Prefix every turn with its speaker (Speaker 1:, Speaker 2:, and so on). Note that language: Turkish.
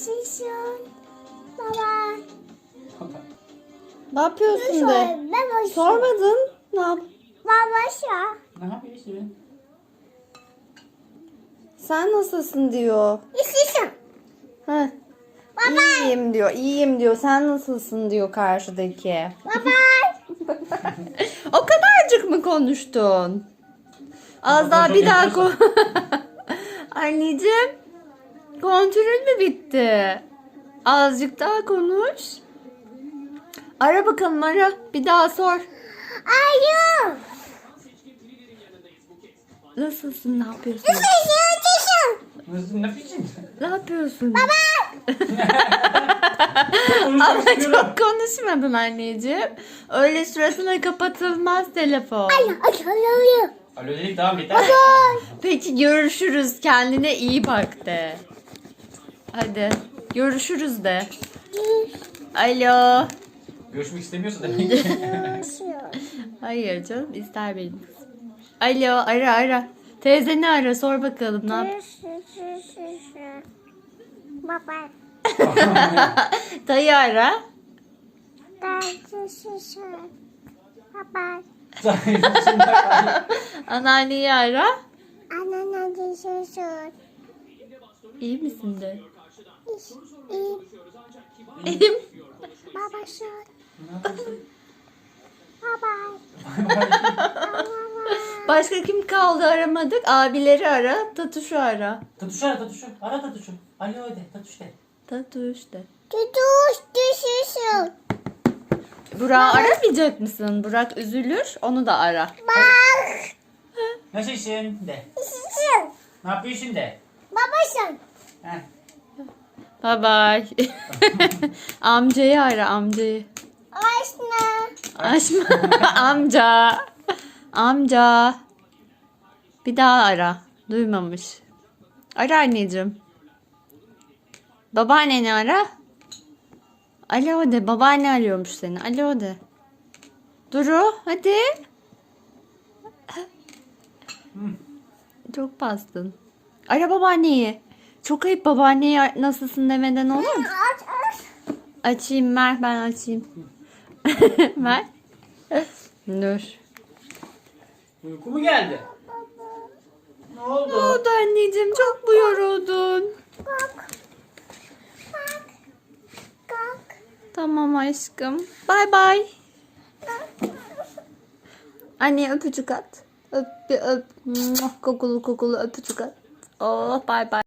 Speaker 1: Şişin. Baba.
Speaker 2: Ne yapıyorsun de?
Speaker 1: Ben
Speaker 2: Sormadın. Ne yap?
Speaker 1: Baba şu.
Speaker 3: Ne yapıyorsun?
Speaker 2: Sen nasılsın diyor.
Speaker 1: Şişin.
Speaker 2: Heh. İyiyim diyor. İyiyim diyor. Sen nasılsın diyor karşıdaki.
Speaker 1: Baba.
Speaker 2: O kadarcık mı konuştun? Az daha bir daha Anneciğim, kontrol mü bitti? Azıcık daha konuş. Ara bakalım, ara. Bir daha sor.
Speaker 1: Ayı.
Speaker 2: Nasılsın? Ne yapıyorsun?
Speaker 1: Şişin.
Speaker 3: Nasıl ne biçim?
Speaker 2: Ne yapıyorsun?
Speaker 3: Konuşmak
Speaker 2: Ama
Speaker 3: istiyorum.
Speaker 2: çok konuşmadın anneciğim. Öyle suratına kapatılmaz telefon.
Speaker 1: Ayı.
Speaker 3: Alo dedik tamam yeter.
Speaker 2: Peki görüşürüz. Kendine iyi bak de. Hadi. Görüşürüz de. Alo.
Speaker 3: Görüşmek istemiyorsa demek ki.
Speaker 2: Hayır canım, ister benim kızım. Alo, ara. Teyzeni ara, sor bakalım ne yap.
Speaker 1: Baba.
Speaker 2: Dayı ara.
Speaker 1: Baba.
Speaker 2: Anneanneyi ara.
Speaker 1: Anneanne şişin.
Speaker 2: İyi misin de?
Speaker 1: İyi.
Speaker 2: İyiyim.
Speaker 1: Baba şu. Baba.
Speaker 2: Başka kim kaldı aramadık? Abileri ara, Tatuş'u ara.
Speaker 3: Tatuşu ara tatuşu. Ara tatuşu. Alo de tatuş de.
Speaker 2: Tatuş de.
Speaker 1: Tutuş düşüşün.
Speaker 2: Burak'ı aramayacak mısın? Burak üzülür, onu da ara.
Speaker 1: Bak.
Speaker 3: Nasılsın de.
Speaker 1: Şişin.
Speaker 3: Ne yapıyorsun de.
Speaker 1: Babasın.
Speaker 3: Heh.
Speaker 2: Bye bye. Amcayı ara, amcayı.
Speaker 1: Aşna.
Speaker 2: Açma. Amca. Amca. Bir daha ara. Duymamış. Ara anneciğim. Babaanneni ara. Alo de. Babaanne arıyormuş seni. Alo de. Duru hadi. Çok bastın. Ara babaanneyi. Çok ayıp, babaanneye nasılsın demeden olur mu?
Speaker 1: Aç.
Speaker 2: Açayım, ver ben açayım. Ver. Dur.
Speaker 3: Uyku mu geldi? Ne
Speaker 2: Ne
Speaker 3: oldu?
Speaker 2: oldu anneciğim? Çok mu yoruldun?
Speaker 1: Kalk. Kalk. Kalk.
Speaker 2: Tamam aşkım. Bay bay. Anneye öpücük at. Öp bir öp. Kokulu kokulu öpücük at. Oh bay bay.